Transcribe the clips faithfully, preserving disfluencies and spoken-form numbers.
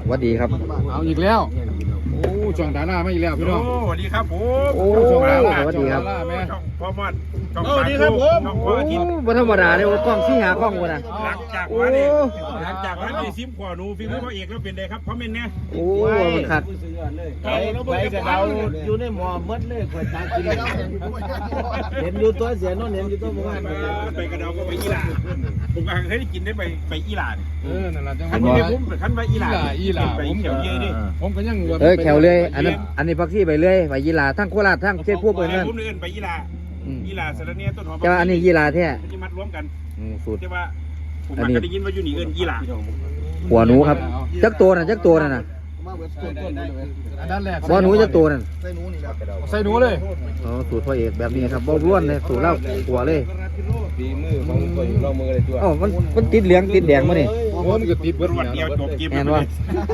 วัสดีครับเอาอีกแล้วโอ้ช่องดาราไม่อีกแล้วพี่น้องโอ้สวัสดีครับผมโอ้สวัสดีครับช่องพ่อมอดช่องสวัสดีครับผมช่องโอ้พ่ออาทิตย์บ่ธรรมดาเลยกล้องสี่หากล้องวะนะหลังจากวันนี้หลังจากวันนี้ซิมขวานูฟิล์มพ่อเอกแล้วเป็นไงครับคอมเมนต์เนี่ยโอ้มันขัดไปไปกับเราอยู่ในหมอมดเลยคอยตากินเห็นอยู่ตัวเสียนนเห็นอยู่ตัวบ้านไปกระเดาก็ไปอีหร่าผมก็เคยได้กินได้ไปไปอีหร่าเออนั่นแหละจังหขัวะนนี้ผมขันไปอีหร่าอีหลาไปผมเขียวเย่ดิผมก็ยังว่าเอ้ยแขวเลยอันนั้นอันนี้พักที่ไปเลยไปยีราทั้งโคราชทั้งเชียงพวกไปเพื่อนผมเดินไปอีหร่าอีหร่าสารเนียต้นหอมจะอันนี้ยีราแท้จะมัดรวมกันสูตรใช่ว่าผมก็ได้ยินว่าอยู่นี่เอิญอีหร่าหัวหนูครับจักตัวน่ะจักตัวน่ะนะอันนั้นแรกหัวหนูจักตัวนั่นใส่หนูเลยอ๋อสูตรพ่อเอกแบบนี้ครับบ่ร่วนเลยสูตรเล่าหัวเลยฝีมือของตัวอยู่เรามือเลยตัวอ๋อมันมันติดเหลืองติดแดงมาเนี่ยโอ้มันก็ติดเบิดวันเดียวจบเกมแม่นวะ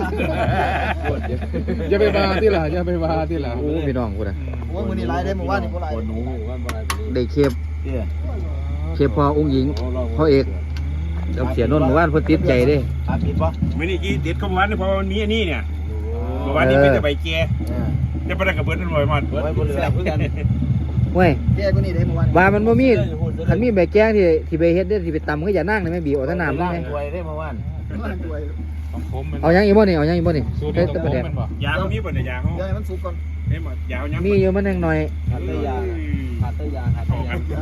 อย่าไปบาที่ล่ะอย่าไปบาที่ล่ะโอ้พี่น้องกูนะโอ้ยมือนี่ไล่ได้หมู่บ้านนี่บ่ไล่หนูว่าอะไรได้เคฟเคฟพอองค์หญิงพ่อเอกกับเสียนนท์หมู่บ้านเพิ่นติดใจเด้อาทิตย์ปะไม่ได้กี้ติดเข้ามาวันเพราะมันมีอันนี้เนี่ยวันนี้เป็นแต่ใบแก่จะไปได้กับเบิร์ดทั้งหมดมันไว้บนเรือเพื่อนเว้ยแก่กว่านี้ได้หมู่บ้านว่ามันบ่มีคันมีใบแกงที่ที่ไปเฮ็ดได้ที่ไปตำก็อย่านั่งเลยแม่บีบเอาแต่น้ำได้ไหมรวยได้เมื่อวานบ้านรวยของผมมันเอายังอีกบ่นี่เอายังอีกบ่นี่สูตรเฮ็นี้ดขแต่องประผมเดี๋ยวมันบ่ยาเขามีป่ะเนี่ยยาเขาเดี๋ยวให้มันสุกก่อนเฮ้ยหมดยาวยังมีอยู่มันแห้งหน่อยขาดตยาขาดตยาขาดตยาย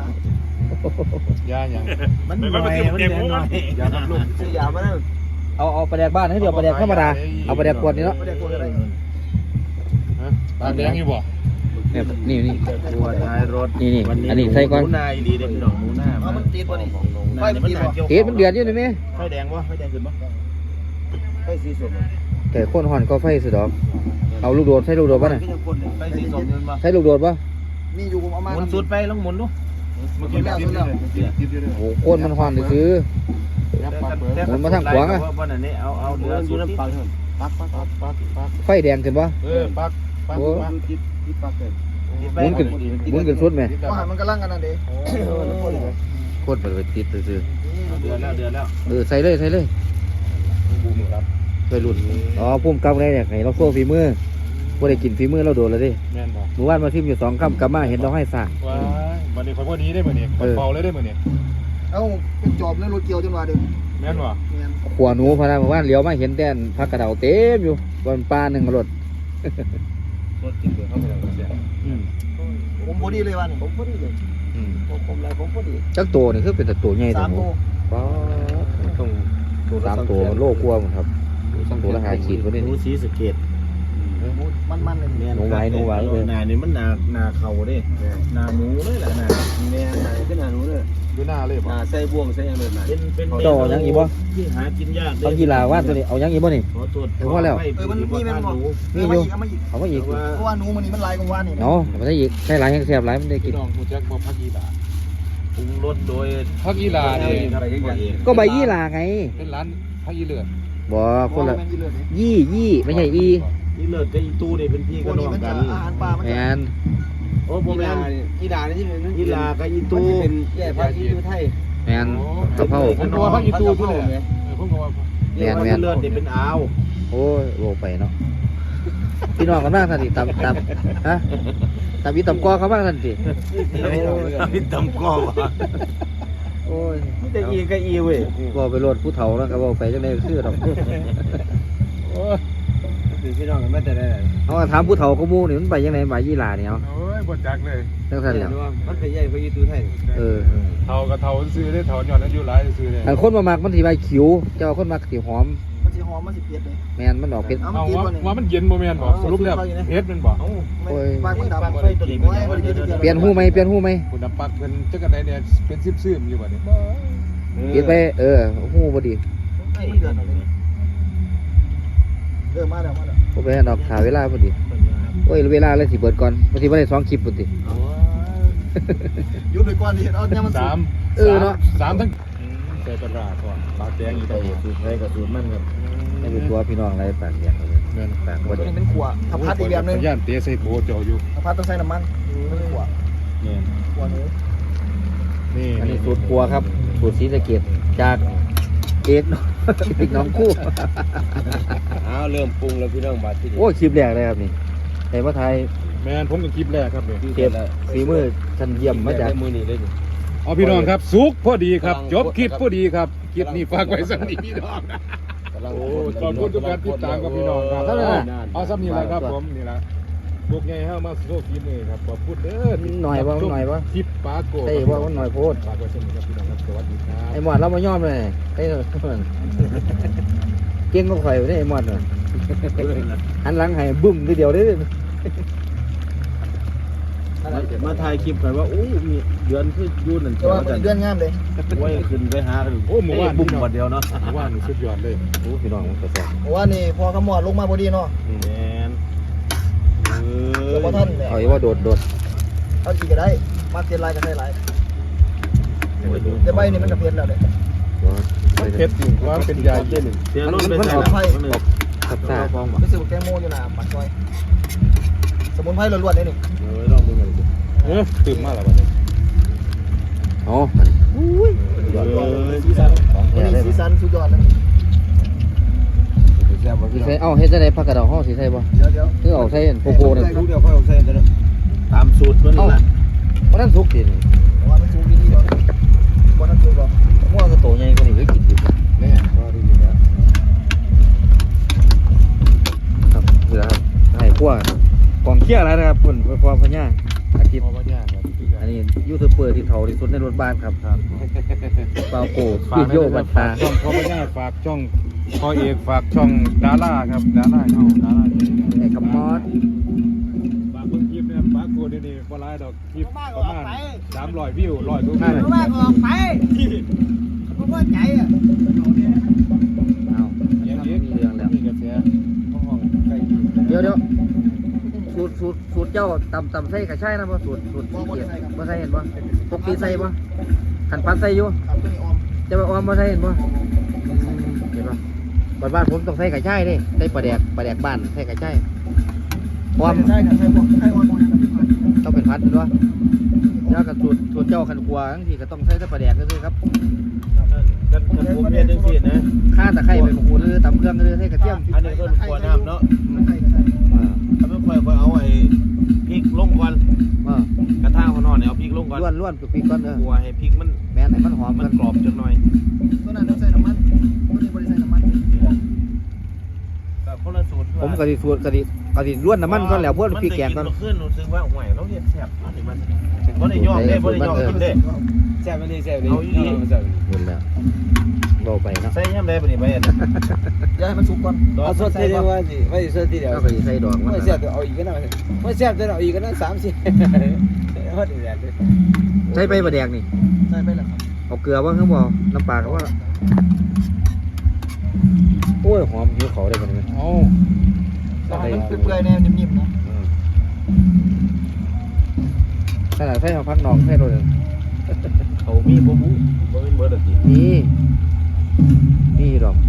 าอย่างมันหน่อยมันเด่นหน่อยยาทำลูกซื้อยามาแล้วเอาเอาประแดกบ้านให้เดี๋ยวประแดกธรรมดาเอาประแดกขวดนี่เนาะบ่ได้กลัวอะไรตาแดงอยู่บ่เนี่ยนี่นี่ตัวท้ายรถนี่นี่อันนี้ใส่ก่อนหนูนาดีเด็กดอกหนูหน้าเอามันติดบ่นี่ไฟไฟมันมันติดบ่เอ๊ะมันเดือดอยู่นี่แม่ไฟแดงวะไฟแดงขึ้นปะไฟสีส้มแต่คนห่อนก็ไฟสุดดอกเอาลูกโดดใส่ลูกโดดป่ะน่ะไฟสีส้มยืนปะใส่ลูกโดดป่ะมีอยู่ผมเอามาหมุนสุดไปลองหมุนดูมันกินแล้วสุดแล้วโอ้โหโคนมันห่อนซื้อ หมุนมาทางขวาอะวันนี้เอาเอาเรืออยู่น้ำปังปักปักปักปักปักไฟแดงขึ้นป่ะเออปักปักปักติดติดปักเลยหมุนขึ้นหมุนขึ้นสุดไหมว่ามันกำลังกันนั่นเด้โคตรไปติดซื้อเดือนแล้วเดือนแล้วเออใส่เลยใส่เลยใส่รุ่นอ๋อพุ่มกำไรเนี่ยให้เราโซ่ฝีมือบ่ได้กินฝีมือเราโดนแล้วดิแม่นบ่หมู่บ้านมาทิมอยู่สองคำกลับมาเห็นเราให้สร้างว้ายวันนี้คอยพอดีได้มื้อนี้คอยเป่าเลยได้มื้อนี้เอ้าเป็นจอบแล้วรถเกี่ยวจนว่าเด้อแม่นบ่แม่นขวาหนูพนันหมู่บ้านเลี้ยวมาเห็นแต่พักกระเดาเต็มอยู่บนปลาหนึ่งรถรถกินเดือดเข้าไปแล้วเสียผมพอดีเลยว่านี่ผมพอดีเลยอืมผมผมอะไรผมพอดีจักตัวนี่คือเป็นแต่ตัวใหญ่สามหโลป๊าดต้องสามตัวโลกลัวหมดครับตัวละหาขีดกว่านี้หนูสีสเกตมันๆเลยนี่หนูไว้หนูไว้เออนานี่มันนานาเขาเด้นาหนูเลยแหละนาแม่นาขึ้นนาหนูเลยดูหน้าเลยบ่นาใส่บ่วงใส่ยังเลยนาเป็นเป็นเจ้าเอายังอีกบ่ที่หากินยากเอากีฬาว่านตัวนี้เอายังอีกบ่นี่ขอโทษเออมันมีแม่นบ่มีอยู่เอามาอีกเอามาอีกเพราะว่าหนูมันนี่มันลายกว่านี่เนาะมันได้อีกใช่หลายแห้งแซ่บหลายมันได้กิพี่นน้องฮู้จักบ่พักอีหลาปรุงรสโดยพักอีหลานี่ก็ใบยี่หลาไงเป็นร้านพักอีเลือดบ่คนละแม่นอีเลือดนี่ยี่ยี่ไม่ใช่อีนี่เลิศกับอีตู้นี่เป็นพี่พกัวบกน้นี้องมันกัจะนอาหารปลามันแมจะนโอ้ผมแม่นกีฬานี่ที่เป็นอีลากับอีตู้เป็นแย่พระที่ดูไทยแมนกะเพราผมก็ว่าพักอีตูพุ่นแหละเออผมก็ว่าแม่นแม่นเลิศนี่เป็นอาวโอ้ยโลไปเนาะพี่น้องกันบ้างทันทีตามตามฮะตามอีตำกอเขาบ้างทันทีพี่ตำก้อวะโอ้ยแต่อีกับอีเว้ยบอกไปโลดผู้เฒ่าแล้วก็บอกไปจังได๋คือดอกโอ้ยคือพี่น้องกันมาแต่ได้เอาถามผู้เฒ่าก็หมู่นี่มันไปจังได๋ใบยี่หลาเนี่ยเอาโอ้ยบ่จักเลยจังซั่นแหล้วมันเป็นใหญ่พระที่ดูไทยเออเฒ่าก็เฒ่าซื้อได้เฒ่าย้อนอายุหลายซื้อได้อันคนมามักมันสิใบขิวเจ้าคนมักสิหอมมันสิหอมมันสิเผ็ดเลยแม่นมันออกเป็นเอาเอามันติดว่าบ่นี่ว่ามันเย็นบ่แม่นบ่สรุปแล้วเฮ็ดมันบ่ไม่ปากมันดำไฟตัวนี้โอ้ยบ่ได้กินเปลี่ยนหูไหมเปลี่ยนหูไหมคุณน้ำปักเป็นจักกันไดเนี่ยเป็นซิบๆอยู่บ่นี่เปลี่ยนไปเออหูบ่ดีไอ้เดือดเลยเออมาแล้วมาแล้วบ่ไปให้ดอกถ่าเวลาพอดีโอ้ยเวลาเลยสิเบิดก่อนบ่สิบ่ได้สองคลิปพุ่นติหยุดไปก่อนดิเอาเนี่ยมันสุสาก มเออเนาะสามทั้งใส่ปลาร้าก่อนปลาแดงอีกใส่ต่างหากสูตรไฟกับสูตรมันครับให้ดูตัวพี่น้องอะไรปากแดงเลยแม่นปากบ่ตัวดีนี้เป็นขวถ้าพัดอีกแบบนึงย่านเตะใส่โถเจาะอยู่ถ้าพัดต้องใส่น้ำมันเป็นขวเนี่ยขวหนูนี่อันนี้สูตรครัวครับสูตรศรีสะเกษจากเอกน้องเอกน้องคู่อ้าวเริ่มปรุงแล้วพี่น้องบาดที่นี่โอ้คลิปแรกเลยครับนี่แต่ว่าไทยแมนผมกับคลิปแรกครับเนี่ยเก็บฝีมือชั้นเยี่ยมมาจากมือนี่เลยนี่เอาพี่น้องครับสุกพอดีครับจบคลิปพอดีครับคลิปนี้ฝากไว้สักนิดพี่น้องโอ้ขอบคุณทุกการติดตามกับพี่น้องครับเอาซ้ำนี่แหละครับผมนี่แหละพวกไงเฮามาโชว์ฝีมือครับขอบคุณเด้อหน่อยว่าหน่อยว่าคลิปปาโกไอ้ว่าหน่อยโพดฝากไว้สักนิดครับพี่น้องครับสวัสดีครับไอ้หมอดเรามาย่อมเลยไอ้เก่งก็ข่อยได้ไอ้หมอดเลยหันหลังให้บึ้มทีเดียวได้มาถ่ายคลิปกันว่าอู้มีเดือนคือยูนนั่นแต่ว่ามันเดือนงามเลยไว้ขึ้นไปหาโอ้หมู่บ้านบุ้มหมดเดียวเนาะหมู่บ้านนี่สุดยอดเลยโอ้พี่น้องมันกระสอบเพราะว่านี่พอกระหมอดลงมาพอดีเนาะแมนเอเดี๋ยวพออท่านเนี่ยเอาอีว่าโดดโดดเอาอีกก็ได้มาเทียนลายก็ได้หลายแต่ใบนี่มันก็เพี้ยนแล้วเลยมันเผ็ดจริงว่าเป็นยาเย็นเสียรุ่นไปใส่ละขับซ่าฟองบ่ไปซื้อแกงโมอยู่หน้าปากซอยสมุนไพรล้วนๆเลยนี่เออลองดูหน่อยดิเออตื่นมาแล้ววันนี้อ๋อยอดเลยสีสันของแท้เลยสีสันสุดยอดเลยแซ่บบ่สิพี่น้องใส่เอ้าเฮ็ดจังได๋ผักกระดองฮ้อสิใส่บ่เดี๋ยวเดี๋ยวคือเอาใส่โกโก้นั่นลูกเดียวค่อยเอาใส่กันตามสูตรเพิ่นนั่นแหละบ่ทันสุกดิเพราะว่ามันสูงดีดีก่อนก่อนนั้นสูงก่อนม่วงก็โตใหญ่กว่านี้ก็กินอยู่แน่ก็ดีนะครับนี่แหละครับให้พวกกองเคียร์แล้วนะครับเพิ่นความพญาอาทิตย์พอว่ายากครับอันนี้ยูทูบเบอร์ที่เฒ่าที่สุดในรถบ้านครับครับเปาโกฟิโยบัตตาช่องพอว่ายากฝากช่องพ่อเอกฝากช่องดาราครับดาราช่องดาราไอ้คำมอดฝากเบิ่งคลิปนะครับฝากโกดนี่บ่หลายดอกคลิปประมาณสามร้อยวิวร้อยกว่าวิวว่าก็ออกไปเพราะว่าใจอ่ะเอาอย่างนี้มีเรื่องแล้วมีกระแสห้องใกล้ที่เดี๋ยวเดี๋ยวสูตรสูตรสูตรเจ้าตำตำใส่กระชายนะบ่สูตรสูตรสีเขียวบ่ใส่เห็นบ่ปกติใส่บ่ขันปัดใส่อยู่ครับตัวนี้ออมจะไปออมบ่ใส่เห็นบ่เห็นบ่บ้านบ้านผมต้องใส่กระชายเด้ใส่ปลาแดกปลาแดกบ้านใส่กระชายออมใช่ครับใช่พวกใช่ออมครับพี่พันต้องเป็นพัดด้วยแล้วกับสูตรสูตรเจ้าขันกลัวทั้งทีก็ต้องใส่แต่ปลาแดกก็คือครับกันกันผมเฮ็ดจังซี่นะข้าตะไคร้ใบมะกรูดหรือตำเครื่องหรือใส่กระเทียมอันนี้เพิ่นขัวน้ำเนาะใช่ใช่อ่าถ้าไม่ค่อยค่อยเอาไอ้พริกลงก่อนอ่ากระทะข้างนอกเนี่ยเอาพริกลงก่อนล้วนล้วนปีกๆก่อนเออขัวให้พริกมันแม่นให้มันหอมมักัน นกรอบจังหน่อยตัวนั้นต้องใส่น้ำมันตัวนี้บริใส่น้ำมันก็คนละสูตรผมกะดิสูตรกะดิกะดิล้วนน้ำมันก่อนแล้วพวกพริกแกงก่อนมันขึ้นรู้สึกว่าห่วยเราเฮ็ดแซ่บอันนี้มันบ่ได้ยอมเด้บ่ได้ยอมกินเด้แซ่บไปเลยแซ่บไปเลยเอาอีหลีแซ่บไปเลยหมดแล้วเบาไปเนาะใส่ยามใดบ่นี่ไปอันเดี๋ยวให้มันสุกก่อนเอาสดทีเดียวว่าสิว่าสิสดทีเดียวแล้วก็สิใส่ดอกมันไม่แซ่บเดี๋ยวเอาอีกก็ได้ไม่แซ่บเดี๋ยวเอาอีกก็ได้สามสี่ฮอดอีกแล้วใส่ใบปลาแดกนี่ใส่ไปแล้วครับเอาเกลือบ้างครับบ่น้ำปลาก็ว่าโอ้ยหอมหิวเขาได้บ่เนี่ยเอาต้องให้มันเปื่อยๆแนวนิ่มๆนะขนาดใส่เอาพักนอกใส่โดนเขามีบ่บุบ่เป็นเบิดดอกนี่นี่ดอก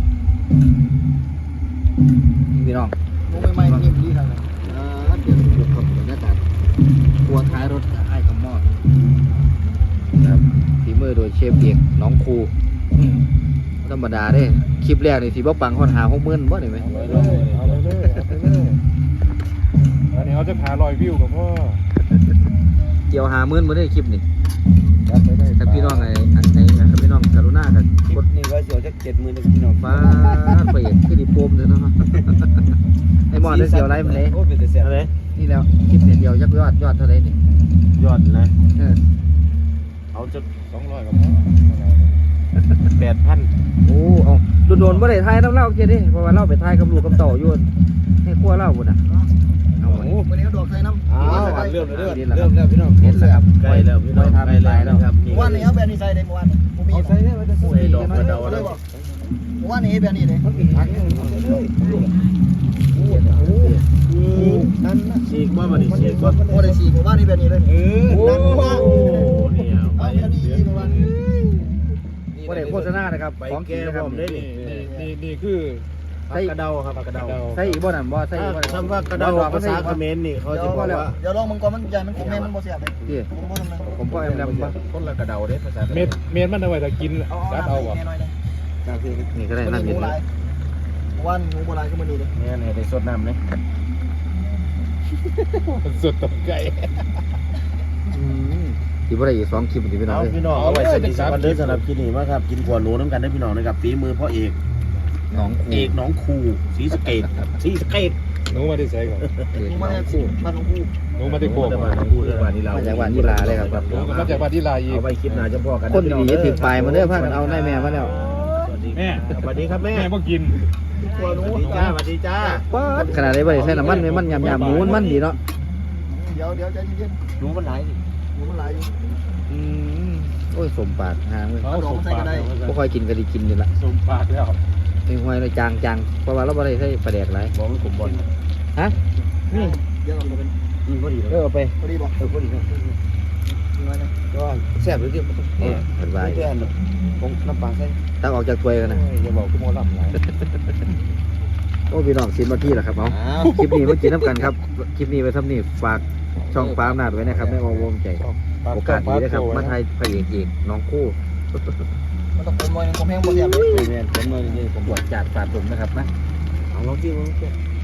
นี่พี่น้องมุ้งใหม่ๆนิ่มดีครับอ่าเดี๋ยวดูครับบรรยากาศครัวท้ายรถไอ้คำมอดครับฝีมือโดยเชฟเอกน้องครูธรรมดาเด้คลิปแรกนี่สิบ่ปังฮอดหาหกหมื่นบ่ได้ไหมเอาไปเลยเอาไปเลยเอาไปเลยอันนี้เขาจะหาร้อยวิวกับพ่อเกี่ยวหาหมื่นบ่ได้คลิปนี่จัดไปได้ถ้าพี่น้องไอ้อันไหนถ้าพี่น้องกรุณากันกดนี่ว่าเสียวจักเจ็ดหมื่นพี่น้องฟ้าไปเอกคือดิโปมเลยเนาะไอ้หมอดได้เสียวไรมันเลยโอ้เป็นแต่แซ่บอะไรนี่แล้วคลิปเนี่ยเดียวยักยอดยอดเท่าไหร่นี่ยอดนะเออเอาจะสองร้อยกับพ่อแปดพันโอ้เอาโดนๆบ่ได้ทายน้ำเล่าเกียดิเพราะว่าเล่าไปทายกับลูกกับเต่าอยู่ให้ครัวเล่าบุญอ่ะเอาไว้วันนี้เอาดอกใส่น้ำอ้าวเริ่มแล้วเริ่มแล้วพี่น้องเห็นแล้วครับใกล้แล้วพี่น้องใกล้แล้วครับนี่เมื่อวานนี้เอาแบบนี้ใส่เลยเมื่อวานนี้ผมมีเอาใส่ได้ไว้จะใส่ดอกกระเดาเลแล้ยว บอกเมื่อวานนี้แบบนี้เลยมันเป็นผักนั่นนะฉีกว่าบ่นี่ฉีกว่าโอ้ได้สี่เมื่อวานนี้แบบนี้เลยเออโอ้นั่นว่านี่เอาแบบนี้เมื่อวานนี้บ่ได้โฆษณานะครับไปของจริแก้งนะคพรัร้บอมได้นี่นี่นี่นี่คือผักกระเดาครับผักกระเดาใส่อีกบ่นั่นบ่ใส่อีกบ่คำว่ากระเดาภาษาเขมรนี่เขาเดี๋ยจะวบอกว่าเดี๋ยวลองมันก่อนมันใหญ่มันขมแม่มันบ่เสียบเลยพี่ผมบ่ทำนะผมก็แอมแลมบ่คนละกระเดาเด้ภาษาเม็ดเม็ดมันเอาไว้ถ้ากินเอาจัดเอาเอาน้ำบ่แน่หน่อยนะครับพี่นี่ก็ได้มันน้ำหเย็มูนหลายวันหมูโบราณก็มันนี่เลยเนี่ยเนี่ยได้สดน้ำเลยสุดตกไก่ที่ว่าได้อีกสองคลิปที่พี่น้องเอาเลยพี่น้องเอาไว้สนิทสักวันเด้อสำหรับกินนี่มาครับกินขวดหนูน้ำกันได้พี่น้องนะครับฝีมือพ่อเอกน้องเอกน้องครูศรีสะเกดศรีสะเกดหนูมาได้ใส่ก่อนเอกหมูน้มาองจากคู่บ้านของผู้หนูมาได้โคกมามาจากบ้านน้องครูเลยบ้านนี้เรามาจากบ้านนิลาเลยครับหนูก็มาจากบ้านที่ลายอีกเอาไว้คลิปหน้าจะพ่อกันคนดีๆจะถึงปลายมาเด้อพากันเอาได้แม่มาแล้วสวัสดีแม่สวัสดีครับแม่แม่พวกกินกลัวหนูสวัสดีจ้าสวัสดีจ้าป๊าดขนาดได้บ่ได้ใส่น้ำมันไหมมันยำยำหมูมันดีเนาะเดี๋ยวเดี๋ยวใจเย็นหนูมันไหลๆหมูมันหลายอยู่อืมโอ้ยสมปากหางเลยเอาสมปากบ่ค่อยกินก็ไดีกินนี่ละสมปากแล้วเป็นห้วยเลยจางจางเพราะว่าเราบ่ได้ใส่ปลาแดกหลายบอกมันขมบอลฮะนี่เดี๋ยวเราจะเป็นอืมพอดีเออเอาไปพอดีบอกเออพอดีครับมีไว้นะก็แซ่บหรือที่นี่เห็นว่าเพื่อนผมน้ำปลาใส่ตักออกจากถ้วยกันนะอย่าบอกคุณโมล่ำไรโอ้พี่น้องสิบนาทีแล้วครับเอาคลิปนี้มากินน้ำกันครับคลิปนี้ไว้ทำนี่ฝากช่องฟ้าอำนาจไว้นะครับไม่วงใจโอกาสดีนะครับมาไทยพระเอกเอกน้องคู่มันต้องผมไว้ผมแห้งหมดเสียบเลยเนี่ยผมเลยนี่ผมบวชจัดฝาดผมนะครับนะเอาลองจิ้มลองจิ้ม